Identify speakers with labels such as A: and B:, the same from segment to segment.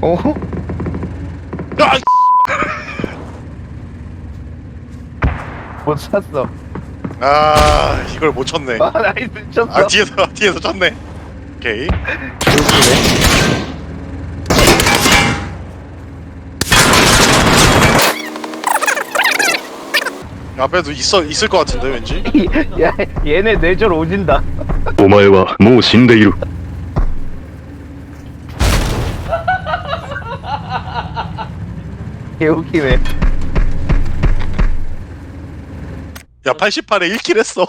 A: 어?
B: 아!
A: 못 샀어.
B: 아, 이걸 못 쳤네.
A: 아, 나이스 쳤어.
B: 아, 뒤에서 쳤네. 오케이. 앞에도 있을 것 같은데 왠지.
A: 야, 얘네 뇌절 오진다.
C: お前はもう死んでいる。
A: 개웃기네.
B: 야, 88에 1킬 했어.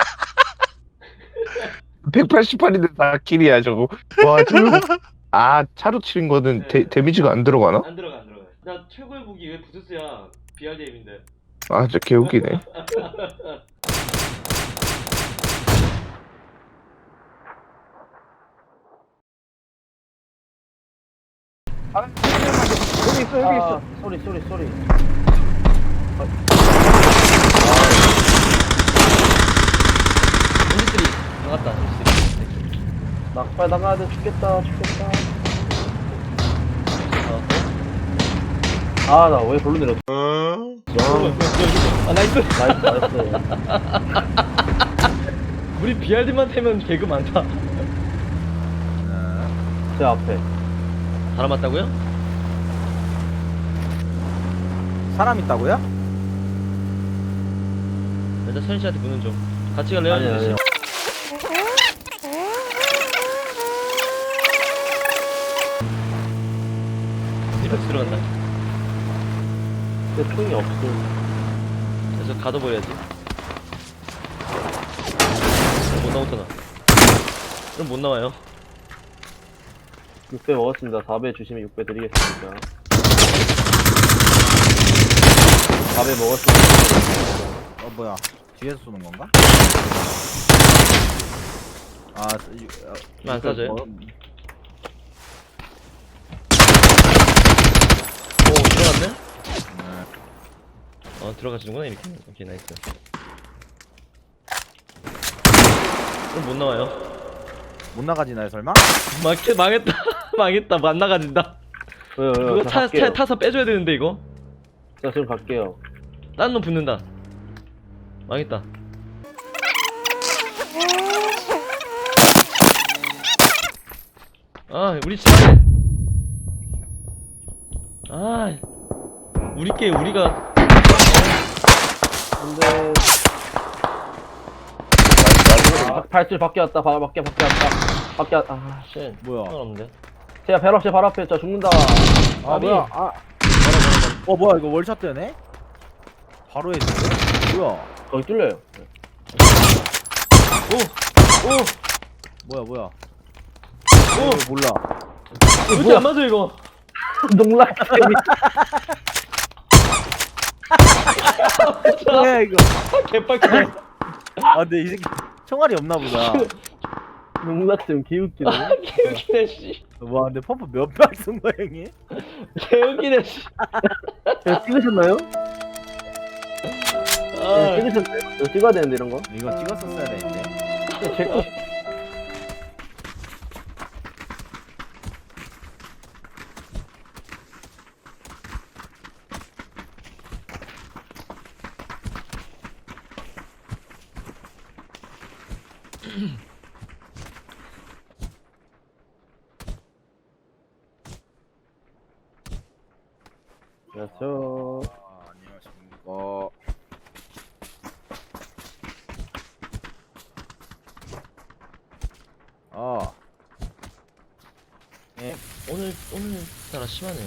A: 188인데 다 킬이야 저거. 와 저거. 아 차로 치는 거는
D: 네.
A: 데미지가 안 들어가나?
D: 안 들어가 안 들어가. 나 최고의 무기 왜 부스스야? BRDM인데.
A: 아 진짜 개웃기네. 아, 여기 있어 여기 있어.
D: 소리. 엔지들이 나갔다. 엔지들이.
E: 낙발 나가야 돼. 죽겠다. 아, 나 왜 별로 내렸어?
D: 아 나이스.
E: 나이스.
D: 우리 BRD만 태면 개그 많다.
E: 제 앞에.
D: 다 남았다고요?
F: 사람 있다고요?
D: 일단 선희 씨한테 보는 좀. 같이 갈래요?
E: 아니요.
D: 이렇게 들어간다.
E: 근데 총이 없어.
D: 그래서 가둬버려야지. 못 나오잖아. 그럼 못 나와요.
E: 6배 먹었습니다. 4배 주시면 6배 드리겠습니다. 4배 먹었습니다.
F: 뭐야? 뒤에서 쏘는 건가? 아,
D: 안 쏴줘요? 오 들어갔네? 들어가시는구나 이렇게. 오케이 나이스. 그럼 못 나와요.
F: 못 나가지나요 설마?
D: 망했다. 망했다. 못 나가진다.
E: 왜요?
D: 그거
E: 저 갈게요.
D: 타서 빼줘야 되는데 이거.
E: 저 지금 갈게요.
D: 딴 놈 붙는다. 망했다. 아 우리 집안에. 아 우리가.
E: 근데 발길 밖에 왔다. 밖에 왔다. 아, 씨.
F: 뭐야?
D: 상관없는데.
E: 제가 제 바로 앞에 있죠. 죽는다.
F: 아 뭐야? 아, 뭐야 이거 월샷 되네? 바로 해주네? 뭐야?
E: 거기 뚫려요.
F: 뭐야?
D: 오!
F: 몰라.
D: 왜 이렇게 안 맞아 이거?
E: 농락템이.
F: 뭐야 이거?
D: 개빡치네.
F: 아 근데 이 새끼 총알이 없나 보다.
E: 농락템 개웃기네.
D: 개웃기네 씨.
F: 와 근데 펌프 몇 발 쏜 거야 형이?
D: 개웃기네 씨.
E: 이거 찍으셨나요?
D: 아,
E: 찍으셨나요? 이거 찍어야 되는데 이런 거.
F: 이거 찍었었어야 되는데.
E: 제거 그렇죠.
F: 안녕하십니까.
D: 오늘따라 심하네.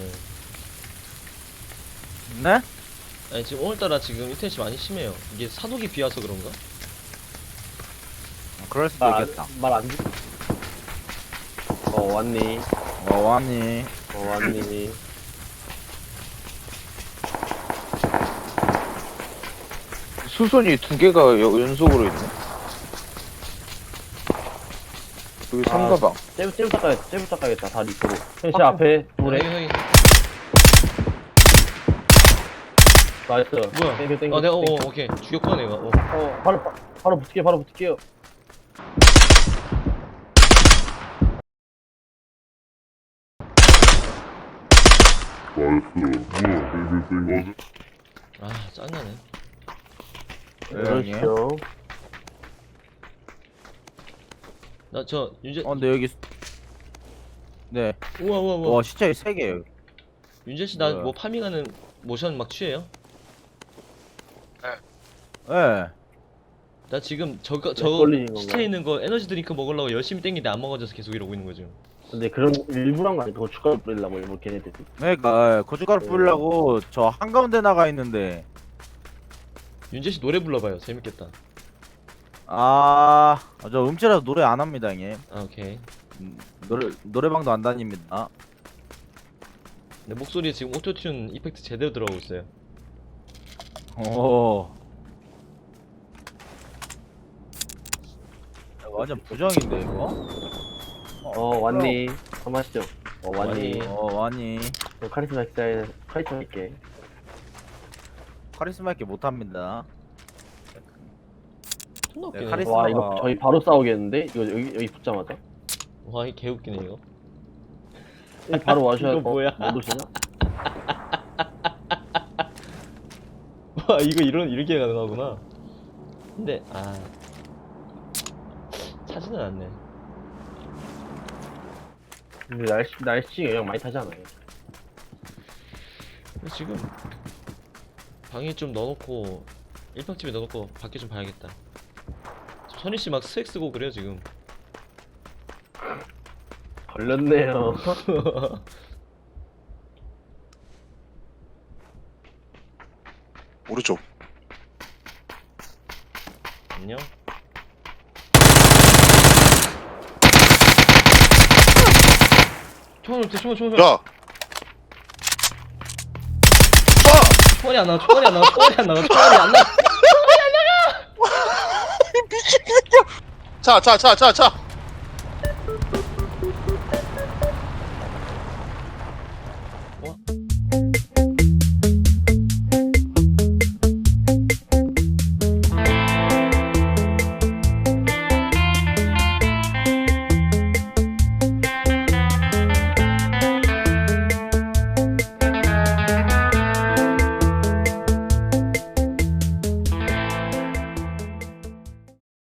F: 네?
D: 아니 지금 오늘따라 지금 인터넷이 많이 심해요. 이게 사독이 비와서 그런가?
F: 그럴 수도 있겠다.
E: 말안 듣. 왔니?
F: 왔니?
E: 왔니?
A: 수선이 두 개가 연속으로 있네. 여기 삼가방.
E: 쟤부터 가야겠다. 다리 있고. 제 앞에 물에.
D: 여기.
E: 나이스.
D: 뭐야?
E: 땡겨.
D: 내가 오케이 죽였구나 내가.
E: 바로 붙을게요.
D: 아 짜증나네.
E: 그렇죠.
D: 나 저 윤재
F: 근데 여기 네.
D: 우와 우와 우와
F: 와 시체 3개.
D: 윤재 씨 나
F: 뭐야?
D: 뭐 파밍하는 모션 막 취해요?
F: 예.
D: 나 지금 저거
E: 걸리는 건가요?
D: 시체 있는 거 에너지 드링크 먹으려고 열심히 땡기는데 안 먹어져서 계속 이러고 있는 거죠.
E: 근데 그런 일부러 한 거 아니야? 고춧가루 뿌리려고 일부러 걔네들이.
F: 그러니까 고춧가루 뿌리려고 저 한가운데 나가 있는데
D: 윤재 씨 노래 불러봐요. 재밌겠다.
F: 저 음치라서 노래 안 합니다, 형님.
D: 아 오케이.
F: 노래방도 안 다닙니다.
D: 내 목소리에 지금 오토튠 이펙트 제대로 들어가고 있어요.
F: 오. 완전 부정인데 이거?
E: 왔니? 한번 하시죠. 왔니?
F: 왔니?
E: 카리스마 기사에 카리스마 있게.
F: 카리스마 있게 못합니다.
D: 존나
F: 네,
D: 웃기네.
F: 카리스마-
E: 와 이거 저희 바로 싸우겠는데? 이거 여기 붙자마자.
D: 와 이게 개웃기네 이거.
E: 여기 바로 와셔야
D: 이거 뭐야?
E: 못 오시나?
D: 와 이거 이렇게 가능하구나. 근데 차지는 않네.
E: 근데 날씨 영향 많이 타잖아요.
D: 근데 지금 방에 좀 넣어놓고 일평집에 넣어놓고 밖에 좀 봐야겠다. 선희 씨 막 스웩 쓰고 그래요 지금.
E: 걸렸네요.
B: 오른쪽.
D: 안녕. 총알.
B: 야.
D: 총알이 안 나와. 총알이 안 나와.
B: 차.